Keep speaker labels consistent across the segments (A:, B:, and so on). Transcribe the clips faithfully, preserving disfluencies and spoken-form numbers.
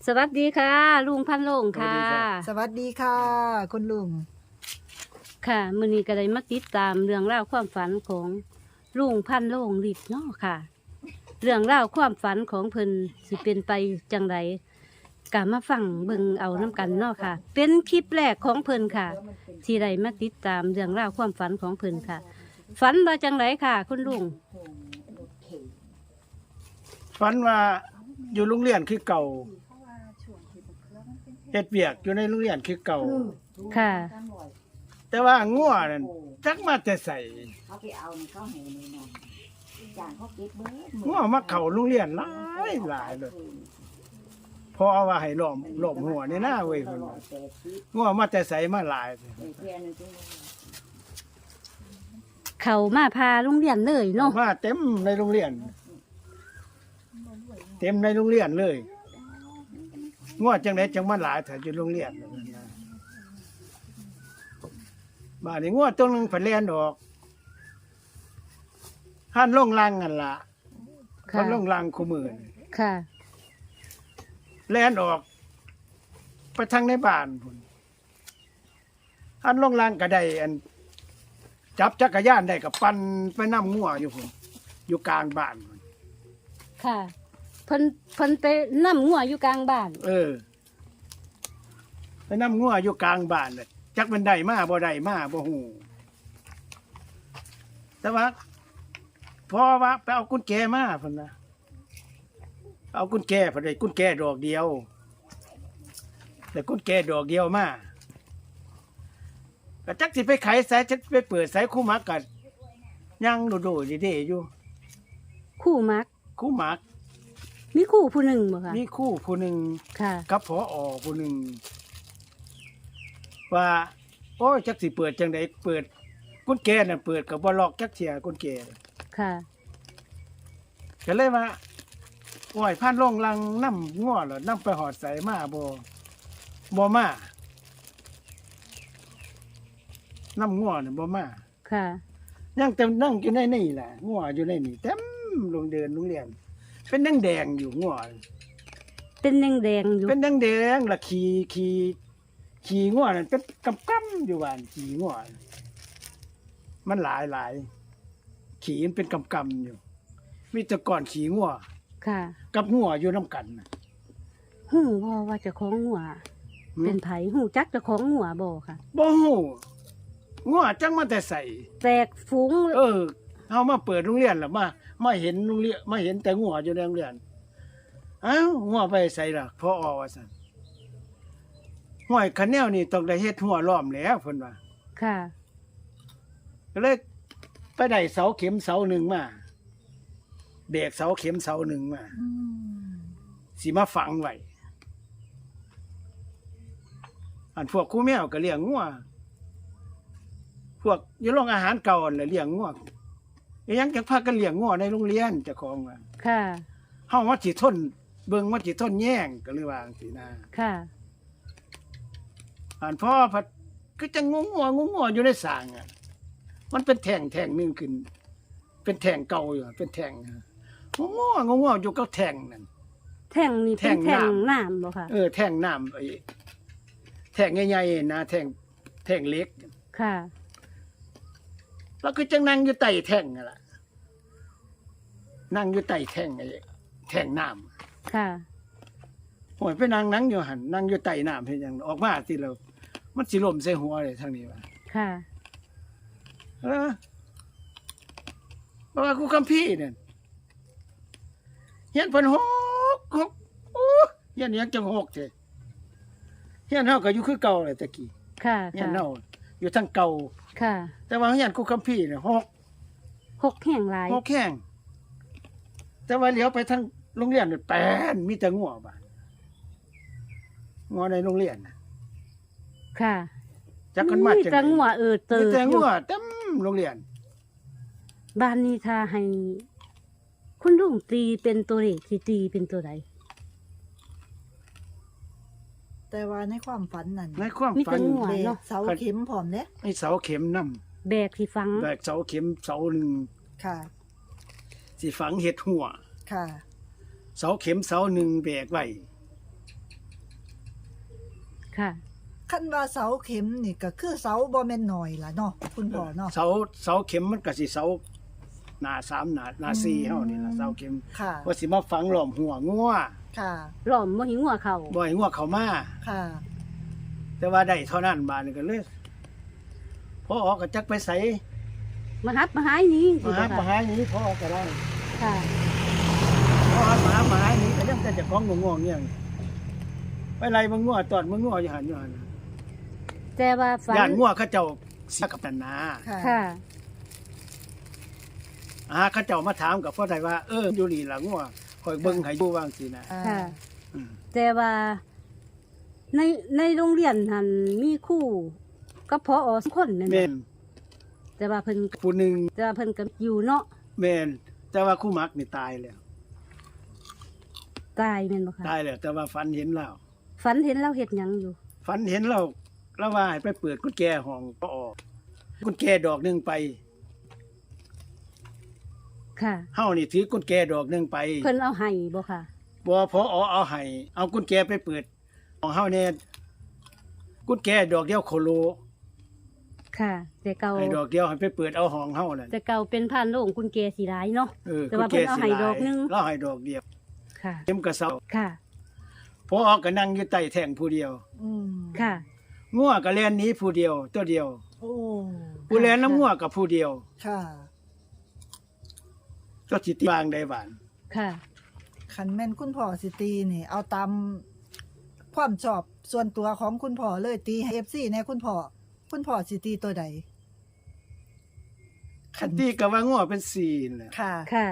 A: สวัสดีค่ะ ลุงพันโลงค่ะ
B: สวัสดีค่ะคุณลุง
A: ค่ะมื้อนี้ก็ได้มาติดตามเรื่องราวความฝันของลุงพันโลงฤทธิ์เนาะค่ะ เรื่องราวความฝันของเพิ่นสิเป็นไปจังไดก็มาฟังเบิ่งเอาน้ำกันเนาะค่ะ เป็นคลิปแรกของเพิ่นค่ะ ที่ได้มาติดตามเรื่องราวความฝันของเพิ่นค่ะ ฝันว่าจังไดค่ะ คุณลุง
C: ฝันว่าอยู่โรงเรียนคือเก่าเฮ็ดเวียกอยู่ในโรงเรียนคือเก่า
A: ค่ะ
C: แต่ว่างัวนั่นจักมาแต่ใส่
D: เขาไปเอานี่เขาให้นี่นอนจานเขาเก็บเบิด
C: งัวมาเข้าโรงเรียนหลายหลายเลยพอว่าให้ล้อมล้อมหัวนี่นะเว้ยเพิ่นว่างัวมาแต่ใส่มาหลาย
A: เขามาพาโรงเรียนเลยเนาะ
C: มาเต็มในโรงเรียน เต็มในโรงเรียนเลยงัวจังได๋จังมาหลายถ้าอยู่โรงเรียนบ้านนี้งัวตัวหนึงเพิ่นแล่นออกหันลงลังนั่นล่ะ
A: ค่ะ
C: หันลงลังคู่มือนี่
A: ค่ะ
C: แล่นออก ไปทางในบ้านพุ่นหันลงลังก็ได้อัน จับจักรยานได้ก็ปั่นไปนำงัวอยู่พุ่นอยู่กลางบ้านพุ่น
A: ค่ะเพิ่นเพิ่นไปนํงัวอยู่กลางบ้าน
C: เออ ไปนำงัวอยู่กลางบ้านน่ะจักมันได้มาบ่ได้มาบ่ฮู้แต่ว่าพอว่าไปเอากุญแจมาพุ่นนะเอากุญแจพุ่นได้กุญแจดอกเดียวแต่กุญแจดอกเดียวมาก็จักสิไปไขสายจักไปเปิดสายคู่หมักก็ยังโดดๆเด้ๆอยู่
A: คู่มัก
C: คู่หมัก
A: มีคู่ผู้หนึ่งบ่คะ
C: มีคู่ผู้หนึง
A: ค่ะ
C: กับผอผู้หนึงว่าโอ้ยจักสิเปิดจังไดเปิดกุญแจน่ะเปิดก็บ่ล็อกจักเที่ยกุญแจ
A: ค่ะ
C: ก็เลยว่าโอ้ยผ่านลงลังนำง้อเหรอนำไปหอดใส่มาบ่บ่มานำง้อนี่บ่มา
A: ค่ะ
C: ยังเต็มนั่งอยู่ในนี่แหละง้ออยู่ในนี่เต็มโรงเดินโรงเรียน เป็นแดงๆอยู่ง้อ
A: เป็นแดงแดงๆอยู่
C: เป็นแดงๆละขี่ขี่ขี่ง้อนั่นเป็นกำๆอยู่บ้านขี่ง้อมันหลายหลายขี่มันเป็นกำๆอยู่ มีแต่ก่อนขี่ง้อ
A: ค่ะ
C: กับง้ออยู่นํกันน่ะ
A: หูบ่ว่าเจะของหัว เป็นไผหูจักเจะของหัวบ่ค่ะ
C: บ่ฮู้ง้อจังมาแต่ใส่
A: แตกฝูง
C: เออเฮามาเปิดโรงเรียนแล้วมามาเห็นโรงเรียนมาเห็นแต่ง้ออยู่ในโรงเรียนอ้าวง้อไปใส่ล่ะพออว่าซั่นห้วยคันแนวนี่ต้องได้เฮ็ดหัวล้อมแล้วเพิ่นว่า
A: ค่ะ
C: ก็เลยไปได้เสาเข็มเสาหนึ่งมาแบกเสาเข็มเสาหนึ่งมาสิมาฝังไว้อันพวกครูแมวก็เลี้ยงงัวพวกอยู่โรงอาหารเก่านั่นแหละเลี้ยงงัวอีหยังจักพากันเลี้ยงงัวในโรงเรียนเจ้าของว่า
A: ค่ะ
C: เฮาว่าสิทนเบิ่งว่าสิทนแย่งก็เลยว่าจังซี่นะ
A: ค่ะ
C: อันพ่อพัดก็จะงงงัวงงงัวอยู่ในสางอ่ะมันเป็นแท่งแท่งหนึงขึ้น เป็นแท่งเก่าอยู่เป็นแท่งงงงัวงงงัวอยู่กับแท่งนั่น
A: แท่งนี่เป็น
C: แท่
A: แท่ง
C: งน้ำ
A: น้ำบ่ค่ะ
C: เออแท่งน้ำไอ้แท่งใหญ่ๆนะแท่งแท่งเล็ก
A: ค่ะ
C: แล้วก็จะนั่งอยู่ใต้แท่งนั่นล่ะนั่งอยู่ใต้แท่งไอ้แท่งน้ำ
A: ค่ะ
C: โอ้ยไปนั่งนั่งอยู่หันนั่งอยู่ใต้น้ำเฮ็ดหยังออกมาสิแล้วมันสิล่มใส่หัวเลยทางนี้ว่า
A: ค่ะ
C: เออเพราะว่ากูคัมภีร์นั่นเฮียนเพิ่นหกหกโอ้เฮียนหยังจังหกเด้เฮียนเฮาก็อยู่คือเก่าเลยตะกี้
A: ค่ะ
C: เฮีย
A: ค่ะ
C: นเฮาอยู่ทางเก่า
A: ค่ะ
C: แต่ว่าเฮียนกูคัมภีร์เนี่ยหก
A: หกแห่งหลาย
C: หกแข้งแต่ว่าเลี้ยวไปทางโรงเรียนนี่แปนมีแต่งัวบาดงัวในโรงเรียนน่ะ
A: ค่ะ
C: จักกันมา
A: มี
C: จัง
A: แต่งัวเออเติ
C: มี
A: บ
C: แต่
A: อ
C: งั
A: ยู่
C: วเต็มโรงเรียน
A: บ้านนี้ถ้าให้ คุณลุงตีเป็นตัวเลขสิตีเป็นตัวใด
B: แต่ว่าในความฝันนั่น
C: ในความ
A: มี
C: ฝั
A: แต่
C: น
A: งัว
B: เบร
A: เนาะ
B: กเสาเข็มพร้อมเด้
C: ไอ้เสาเข็มนำ
A: แบกที่ฟัง
C: แบกเสาเข็มเสาหนึง
B: ค่ะ
C: สิฝังเห็ดหัว
B: ค่ะ
C: เสาเข็มเสาหนึ่งแบกไว้
A: ค่ะ
B: คันว่าเสาเข็มนี่ก็คือเสาบ่แม่นน้อยล่ะเนาะคุณพ่อเนาะ
C: เสาเสาเข็มมันก็สิเสาหน้าสามหน้าหน้าสี่เฮานี่ล่ะเสาเข็ม
B: ค่ะ
C: ว่าสิมาฝังล้อมหัวงัว
B: ค่ะ
A: ล้อมบ่หิงัวเขา
C: บ่ให้งัวเข้ามา
B: ค่ะ
C: แต่ว่าได้เท่านั้นบาดนี้ก็เลยพอออกก็จักไปไส
A: มาหับมาหายหนี้
C: มาหามาหาหนี้พอออกก็ได้
A: ค่ะ
C: พอหามาหามาหาหนี้ก็ยังแต่เจะของง่วงๆเนี่ยไปไล่มันงัวตอดมันงัวอยู่หั่นอยู่หั่น
A: แต่ว่าฝัน
C: ย่านงัวเขาเจ้าเสียกับตันนา
B: ค่ะ
A: ค่ะ
C: อ่าเขาเจ้ามาถามกับพ่อได้ว่าเอออยู่นี่ล่ะงัวคอยเบิ่งให้อยู่ว่างสินะ
B: อ่า
A: ค่ะ
C: อืม
A: แต่ว่าในในโรงเรียนหันมีครู่ก็พออสองคนนั่น
C: แม่น
A: แต่ว่าเพิ่น
C: ผู้หนึง
A: แต่ว่าเพิ่นก็อยู่เนาะ
C: แม่นแต่ว่าคู่มักนี่ตายแล้ว
A: ตายแม่นบ่คะ
C: ตายแล้วแต่ว่าฝันเห็นแล้ว
A: ฝันเห็นเราเฮ็ดหยังอยู่
C: ฝันเห็นเราแล้วว่าให้ไปเปิดกุญแจห้องก็ออกกุญแจดอกหนึงไป
A: ค่ะ
C: เฮานี่ถือกุญแจดอกหนึงไป
A: เพิ่นเอาให้บ่ค่ะ
C: บ่พอเอาให้เอากุญแจไปเปิดของเฮาเนี่ยกุญแจดอกเดียวโคโล
A: ค่ะ แต่เก่า
C: ให้ดอกเดียวให้ไปเปิดเอาห้องเฮานั่น
A: แต่เก่าเป็นผ่านโรงกุญแจสีร้ายเนาะ
C: เออ
A: แต่ว่าเพิ่นเอาให้ดอกหนึ่ง
C: เราให้ดอกเดียว
A: ค่ะ
C: เต็มกระเซา
A: ค่ะ
C: พอออกก็นั่งอยู่ใต้แท่งผู้เดียว
B: อืม
A: ค่ะ
C: งัวก็แล่นหนีผู้เดียวตัวเดียว
B: โอ้
C: ผู้แล่นน้ำงัวกับผู้เดียว
B: ค่ะ
C: ก็สิตีบางได้บาน
A: ค่ะ
B: คันแม่นคุณพ่อสิตีนี่ เอาตามความชอบส่วนตัวของคุณพ่อเลยตีให้ เอฟ ซี แน่คุณพ่อคุณพ่อสิตีตัวใด
C: คันตีก็ว่างัวเป็นสี่นั่นแหละ
B: ค่ะ
A: ค่ะ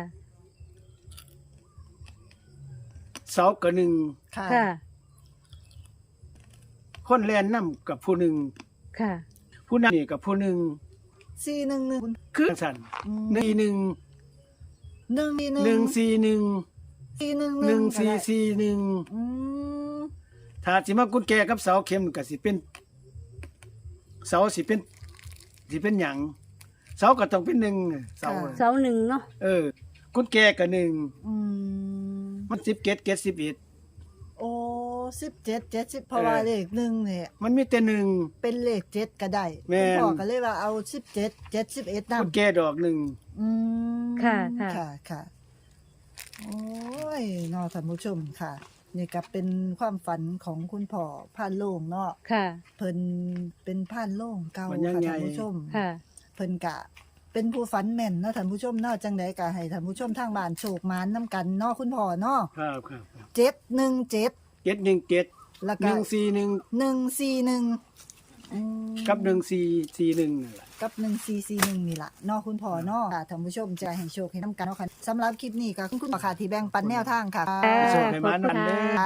C: เสาก็หนึ่ง
B: ค่ะ
A: ค่ะ
C: คนแล่นนํกับผู้หนึ่ง
A: ค่ะ
C: ผู้นั้นนี่กับผู้หนึ่ง
B: สี่หนึ่งหนึ่ง
C: คือสั่น
B: อืม
C: หนึ่งหนึ่ง
B: หนึ่ง
C: หนึ่งสี่หนึ่ง
B: สี่หนึ่ง
C: หนึ่งสี่สี่หนึ่ง
B: อืม
C: ถ้าสิมากุญแจกับเสาเข็มก็สิเป็น เสาสิเป็นสิเป็นหยังเสาก็ต้องเป็นหนึ่งเสา
A: เสาหนึ่งเนาะ
C: เออ กุญแจก็หนึ่ง
B: อืม
C: มันสิบเกตเกตสิบเอ็ด
B: โอ้สิบเจ็ดเจ็ดสิบเพราะว่า
C: เออ
B: เลขหนึ่งเนี่ย
C: มันมีแต่หนึ่ง
B: เป็นเลขเจ็ดก็ได้
C: แม่
B: คุณ
C: น
B: พ่อก็เลยว่าเอาสิบเจ็ดเจ็ดสิบเอ็ด
C: กุญ
B: นำ
C: แจดอกหนึ่ง
B: อืม
A: ค่ะค่ะ
B: ค่ะค่ะโอ้ยเนอท่านผู้ชมค่ะ นี่ก็เป็นความฝันของคุณพ่อผ่านโล่งเนาะ
A: ค่ะ
B: เพิ่นเป็นผ่านโล่งเก่า
C: มันยัง
B: ค่ะ
C: ไง
B: ท่านผู้ชม
A: ค่ะ
B: เพิ่นกะ เป็นผู้ฝันแม่นเนาะท่านผู้ชมเนาะจังไดก็ให้ท่านผู้ชมทางบ้านโชคหมานนํกันเนาะคุณพ่อเนาะ
C: ครับครับครับ
B: เจ็ดหนึ่งเจ็ด
C: เกตหนึ่งเกต
B: แล้ว
C: ห
B: ก็
C: นึ่งสี่หนึ่ง
B: หนึ่งสี่หนึ่งอืม
C: กับหนึ่งสี่สี่หนึ่งนั่นแหละ
B: กับหนึ่งสี่สี่หนึ่งนี่ล่ะเนาะคุณพ่อเนาะค่ะท่านผู้ชมจะให้โชคให้นํกันเนาะค่ะสำหรับคลิปนี้ก็คุณพ่อค่ะที่แบ่งปันแนวทางค่ะ
A: ค่ะ
C: โชคให้หมานั่นเด้อ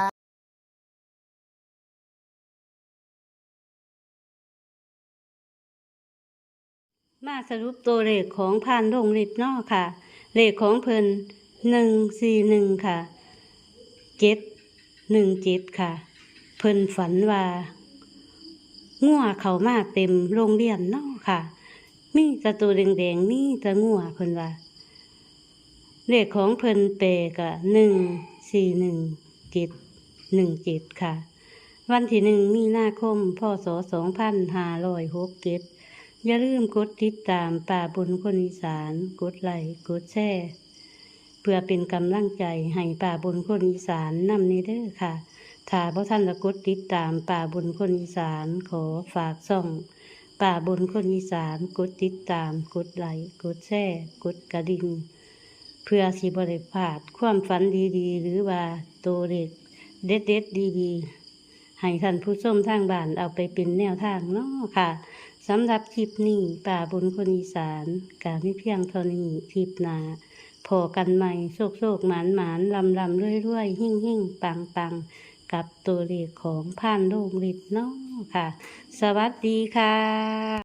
A: มาสรุปตัวเลขของผ่านโรงลิฟต์เนาะค่ะ เลขของเพิ่นหนึ่งสี่หนึ่งค่ะเจ็ดหนึ่งเจ็ดค่ะ เพิ่นฝันว่างัวเขามาเต็มโรงเรียนเนาะค่ะ มีแตะตัวแดงๆมีแตะงัวเพิ่นว่า เลขของเพิ่นเปกะหนึ่งสี่หนึ่งเจ็ดหนึ่งเจ็ดค่ะ วันที่หนึ่งมีนาคมพศสองพันห้าร้อยหกเจ็ดอย่าลืมกดติดตามป่าบนคนอีสานกดไลค์กดแชร์เพื่อเป็นกำลังใจให้ป่าบนคนอีสานนำนี้เด้อค่ะ ถ้าบ่ท่านจะกดติดตามป่าบนคนอีสานขอฝากส่องป่าบนคนอีสานกดติดตามกดไลค์กดแชร์กดกระดิ่งเพื่อสิบ่ได้พลาดความฝันดีๆ หรือว่าตัวเด็กเด็ดๆดีๆให้ท่านผู้ชมทางบ้านเอาไปเป็นแนวทางเนาะค่ะสำหรับคลิปนี้ป่าบนคนอีสานกาไม่เพียงเท่านี้คลิปหน้าพอกันใหม่โชคโชคหมานหมานลำลำรวยรวยหิ่งหิ่งปังปังกับตัวเลขของผ่านโลกฤทธิ์เนาะค่ะ สวัสดีค่ะ